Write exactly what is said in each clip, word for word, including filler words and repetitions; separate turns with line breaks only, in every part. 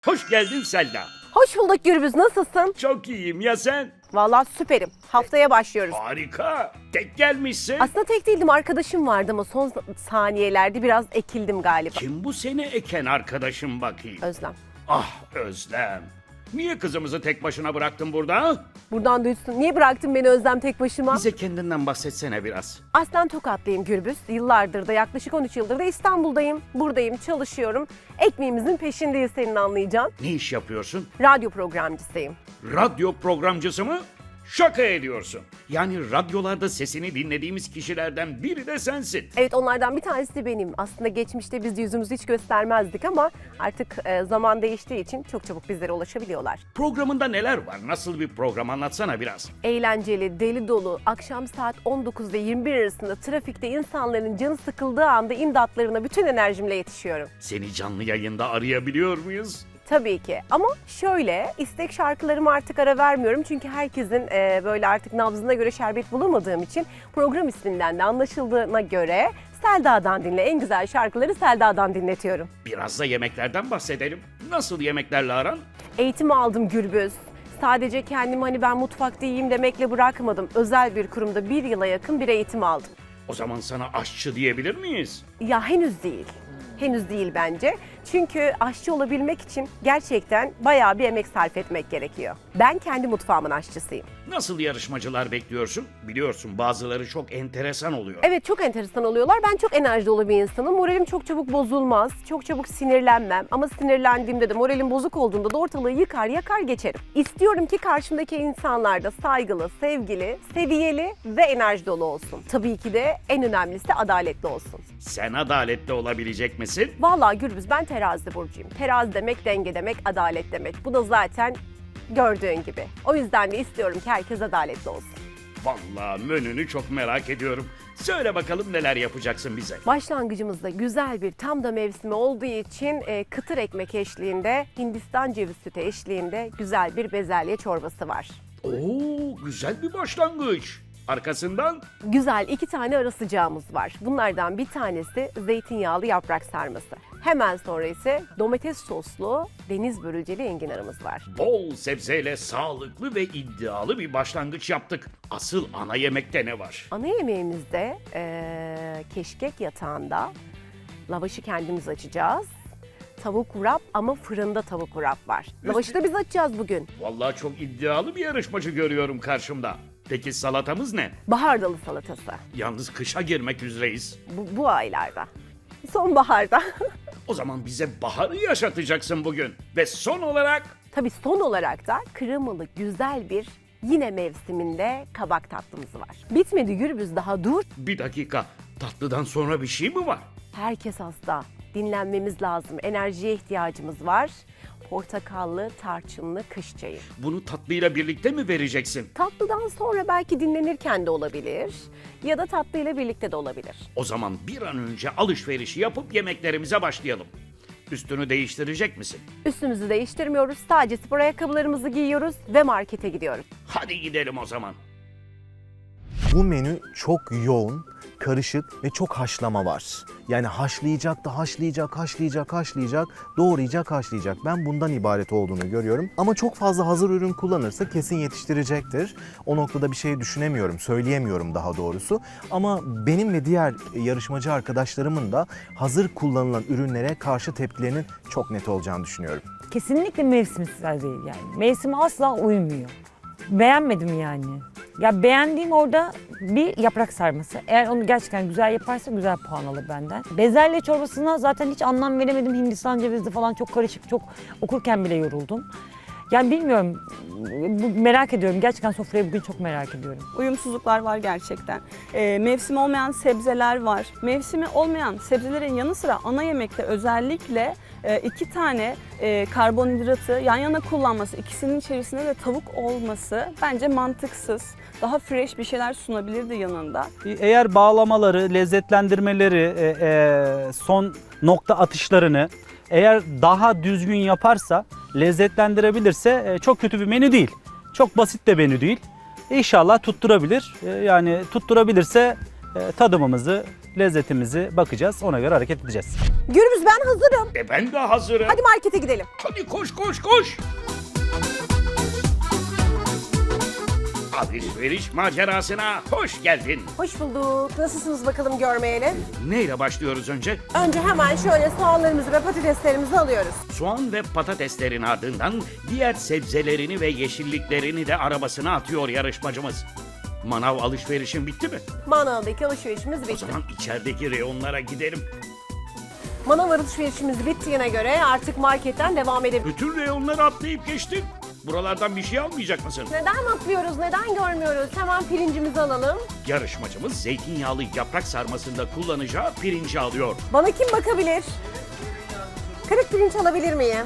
Hoş geldin Selda.
Hoş bulduk Gürbüz, nasılsın?
Çok iyiyim ya sen?
Vallahi süperim. Haftaya başlıyoruz.
Harika. Tek gelmişsin.
Aslında tek değildim, arkadaşım vardı ama son saniyelerde biraz ekildim galiba.
Kim bu seni eken arkadaşım bakayım?
Özlem.
Ah Özlem. Niye kızımızı tek başına bıraktın burada?
Buradan duysun. Niye bıraktın beni Özlem tek başıma?
Bize kendinden bahsetsene biraz.
Aslen Tokatlıyım Gürbüz. Yıllardır da, yaklaşık on üç yıldır da İstanbul'dayım. Buradayım, çalışıyorum. Ekmeğimizin peşindeyiz, senin anlayacağın.
Ne iş yapıyorsun?
Radyo programcısıyım.
Radyo programcısı mı? Şaka ediyorsun. Yani radyolarda sesini dinlediğimiz kişilerden biri de sensin.
Evet, onlardan bir tanesi de benim. Aslında geçmişte biz yüzümüzü hiç göstermezdik ama artık e, zaman değiştiği için çok çabuk bizlere ulaşabiliyorlar.
Programında neler var? Nasıl bir program, anlatsana biraz.
Eğlenceli, deli dolu, akşam saat on dokuz ve yirmi bir arasında trafikte insanların canı sıkıldığı anda imdatlarına bütün enerjimle yetişiyorum.
Seni canlı yayında arayabiliyor muyuz?
Tabii ki, ama şöyle, istek şarkılarıma artık ara vermiyorum çünkü herkesin e, böyle artık nabzına göre şerbet bulamadığım için program isminden de anlaşıldığına göre Selda'dan dinle, en güzel şarkıları Selda'dan dinletiyorum.
Biraz da yemeklerden bahsedelim. Nasıl yemeklerle aran?
Eğitim aldım Gürbüz. Sadece kendimi hani ben mutfakta yiyeyim demekle bırakmadım. Özel bir kurumda bir yıla yakın bir eğitim aldım.
O zaman sana aşçı diyebilir miyiz?
Ya henüz değil. Henüz değil bence. Çünkü aşçı olabilmek için gerçekten bayağı bir emek sarf etmek gerekiyor. Ben kendi mutfağımın aşçısıyım.
Nasıl yarışmacılar bekliyorsun? Biliyorsun bazıları çok enteresan oluyor.
Evet, çok enteresan oluyorlar. Ben çok enerji dolu bir insanım. Moralim çok çabuk bozulmaz. Çok çabuk sinirlenmem. Ama sinirlendiğimde de, moralim bozuk olduğunda da ortalığı yıkar yakar geçerim. İstiyorum ki karşımdaki insanlar da saygılı, sevgili, seviyeli ve enerji dolu olsun. Tabii ki de en önemlisi adaletli olsun.
Sen adaletli olabilecek misin?
Vallahi Gürbüz, ben terazi burcuyum. Terazi demek denge demek, adalet demek. Bu da zaten gördüğün gibi. O yüzden de istiyorum ki herkes adaletli olsun.
Vallahi menünü çok merak ediyorum. Söyle bakalım neler yapacaksın bize?
Başlangıcımızda güzel bir, tam da mevsimi olduğu için e, kıtır ekmek eşliğinde, Hindistan ceviz sütü eşliğinde güzel bir bezelye çorbası var.
Oo, güzel bir başlangıç. Arkasından?
Güzel iki tane ara sıcağımız var. Bunlardan bir tanesi zeytinyağlı yaprak sarması. Hemen sonra ise domates soslu deniz börülceli enginarımız var.
Bol sebzeyle sağlıklı ve iddialı bir başlangıç yaptık. Asıl ana yemekte ne var?
Ana yemeğimizde e, keşkek yatağında lavaşı kendimiz açacağız. Tavuk wrap, ama fırında tavuk wrap var. Lavaşı da biz açacağız bugün.
Vallahi çok iddialı bir yarışmacı görüyorum karşımda. Peki salatamız ne?
Bahar dalı salatası.
Yalnız kışa girmek üzereyiz.
Bu, bu aylarda. Sonbaharda.
O zaman bize baharı yaşatacaksın bugün. Ve son olarak
Tabii son olarak da kremalı güzel bir, yine mevsiminde kabak tatlımız var. Bitmedi Gürbüz, daha dur.
bir dakika, tatlıdan sonra bir şey mi var?
Herkes hasta. Dinlenmemiz lazım. Enerjiye ihtiyacımız var. Portakallı, tarçınlı kış çayı.
Bunu tatlıyla birlikte mi vereceksin?
Tatlıdan sonra belki dinlenirken de olabilir. Ya da tatlıyla birlikte de olabilir.
O zaman bir an önce alışverişi yapıp yemeklerimize başlayalım. Üstünü değiştirecek misin?
Üstümüzü değiştirmiyoruz. Sadece spor ayakkabılarımızı giyiyoruz ve markete gidiyoruz.
Hadi gidelim o zaman.
Bu menü çok yoğun, karışık ve çok haşlama var. Yani haşlayacak da haşlayacak, haşlayacak, haşlayacak, doğrayacak, haşlayacak. Ben bundan ibaret olduğunu görüyorum. Ama çok fazla hazır ürün kullanırsa kesin yetiştirecektir. O noktada bir şey düşünemiyorum, söyleyemiyorum daha doğrusu. Ama benim ve diğer yarışmacı arkadaşlarımın da hazır kullanılan ürünlere karşı tepkilerinin çok net olacağını düşünüyorum.
Kesinlikle mevsimsel değil yani. Mevsime asla uymuyor. Beğenmedim yani. Ya beğendiğim orada bir yaprak sarması. Eğer onu gerçekten güzel yaparsa güzel puan alır benden. Bezelye çorbasına zaten hiç anlam veremedim. Hindistan cevizli falan çok karışık, çok okurken bile yoruldum. Yani bilmiyorum, bu, merak ediyorum. Gerçekten sofrayı bugün çok merak ediyorum.
Uyumsuzluklar var gerçekten. Ee, mevsimi olmayan sebzeler var. Mevsimi olmayan sebzelerin yanı sıra ana yemekte özellikle e, iki tane e, karbonhidratı yan yana kullanması, ikisinin içerisinde de tavuk olması bence mantıksız. Daha fresh bir şeyler sunabilirdi yanında.
Eğer bağlamaları, lezzetlendirmeleri, e, e, son nokta atışlarını eğer daha düzgün yaparsa, lezzetlendirebilirse e, çok kötü bir menü değil. Çok basit de menü değil. İnşallah tutturabilir. E, yani tutturabilirse e, tadımımızı lezzetimizi bakacağız. Ona göre hareket edeceğiz.
Gürbüz ben hazırım.
E ben de hazırım.
Hadi markete gidelim.
Hadi koş koş koş. Alışveriş macerasına hoş geldin.
Hoş bulduk. Nasılsınız bakalım görmeyeli?
Neyle başlıyoruz önce?
Önce hemen şöyle soğanlarımızı ve patateslerimizi alıyoruz.
Soğan ve patateslerin ardından diğer sebzelerini ve yeşilliklerini de arabasına atıyor yarışmacımız. Manav alışverişin bitti mi?
Manavdaki alışverişimiz
O
bitti.
zaman içerideki reyonlara gidelim.
Manav alışverişimiz bittiğine göre artık marketten devam edebiliriz.
Bütün reyonları atlayıp geçtin. Buralardan bir şey almayacak mısın?
Neden atlıyoruz, neden görmüyoruz? Hemen pirincimizi alalım.
Yarışmacımız zeytinyağlı yaprak sarmasında kullanacağı pirinci alıyor.
Bana kim bakabilir? Kırık pirinç alabilir miyim?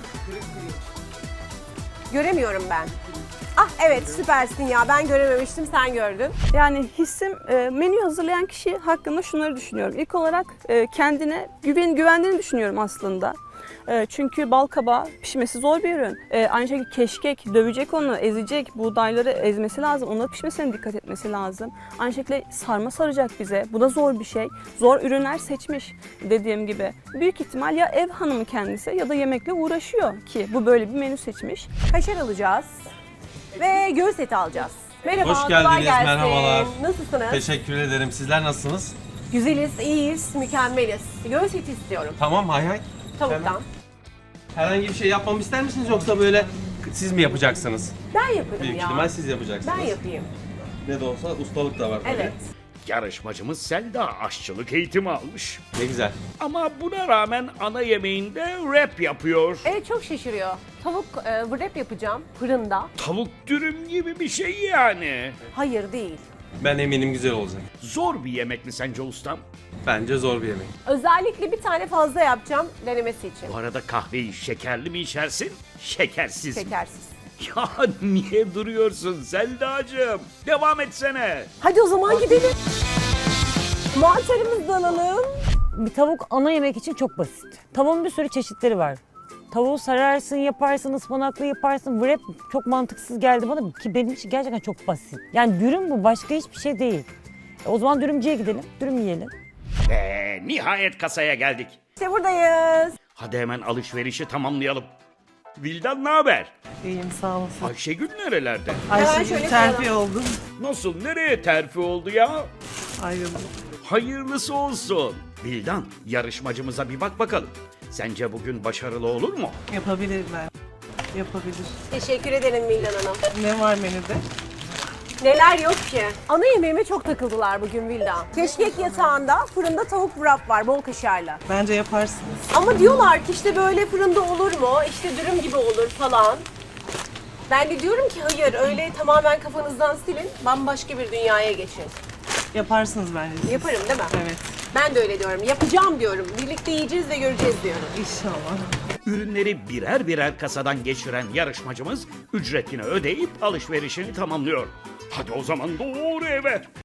Göremiyorum ben. Ah evet süpersin ya, ben görememiştim, sen gördün.
Yani hissim e, menü hazırlayan kişi hakkında şunları düşünüyorum. İlk olarak e, kendine güven güvendiğini düşünüyorum aslında. E, çünkü bal kabağı pişmesi zor bir ürün. E, aynı şekilde keşkek dövecek onu, ezecek, buğdayları ezmesi lazım. Onların pişmesine dikkat etmesi lazım. Aynı şekilde sarma saracak bize. Bu da zor bir şey. Zor ürünler seçmiş dediğim gibi. Büyük ihtimal ya ev hanımı kendisi ya da yemekle uğraşıyor ki bu böyle bir menü seçmiş.
Kaşar alacağız ve göğüs eti alacağız. Merhaba,
Hoş
kolay
geldiniz,
gelsin.
merhabalar.
Nasılsınız?
Teşekkür ederim. Sizler nasılsınız?
Güzeliz, iyiyiz, mükemmeliz. Göğüs eti istiyorum,
Tamam, hay hay.
tavuktan.
Herhangi bir şey yapmamı ister misiniz yoksa böyle siz mi yapacaksınız?
Ben yaparım
Büyük
ya.
ihtimal siz yapacaksınız.
Ben yapayım.
Ne de olsa ustalık da var tabii.
Evet.
Yarışmacımız Selda aşçılık eğitimi almış.
Ne güzel.
Ama buna rağmen ana yemeğinde rap yapıyor.
Evet çok şaşırıyor. Tavuk e, wrap yapacağım fırında.
Tavuk dürüm gibi bir şey yani.
Hayır değil.
Ben eminim güzel olacak.
Zor bir yemek mi sence ustam?
Bence zor bir yemek.
Özellikle bir tane fazla yapacağım denemesi için.
Bu arada kahveyi şekerli mi içersin, şekersiz mi?
Şekersiz.
Ya niye duruyorsun Selda'cığım? Devam etsene.
Hadi o zaman gidelim. Mantarımızı da alalım.
Bir tavuk ana yemek için çok basit. Tavuğun bir sürü çeşitleri var. Tavuğu sararsın, yaparsın, ıspanaklı yaparsın. Wrap çok mantıksız geldi bana ki benim için gerçekten çok basit. Yani dürüm bu, başka hiçbir şey değil. E, o zaman dürümcüye gidelim, dürüm yiyelim.
Ve nihayet kasaya geldik.
İşte buradayız.
Hadi hemen alışverişi tamamlayalım. Vildan ne haber?
İyiyim sağ olasın.
Ayşegül nerelerde?
Hemen
Ayşegül
şöyle
terfi
koyalım.
oldum.
Nasıl, nereye terfi oldu ya?
Ayrıldım.
Hayırlısı olsun. Vildan, yarışmacımıza bir bak bakalım. Sence bugün başarılı olur mu?
Yapabilirler. Yapabilir.
Teşekkür ederim Vildan Hanım.
Ne var menüde?
Neler yok ki? Ana yemeğime çok takıldılar bugün Vildan. Keşkek yatağında fırında tavuk wrap var bol kaşarla.
Bence yaparsınız.
Ama diyorlar ki işte böyle fırında olur mu? İşte dürüm gibi olur falan. Ben de diyorum ki hayır öyle tamamen kafanızdan silin. Bambaşka bir dünyaya geçin.
Yaparsınız bence. siz.
Yaparım değil mi?
Evet.
Ben de öyle diyorum. Yapacağım diyorum. Birlikte yiyeceğiz ve göreceğiz diyorum.
İnşallah.
Ürünleri birer birer kasadan geçiren yarışmacımız ücretini ödeyip alışverişini tamamlıyor. Hadi o zaman doğru eve.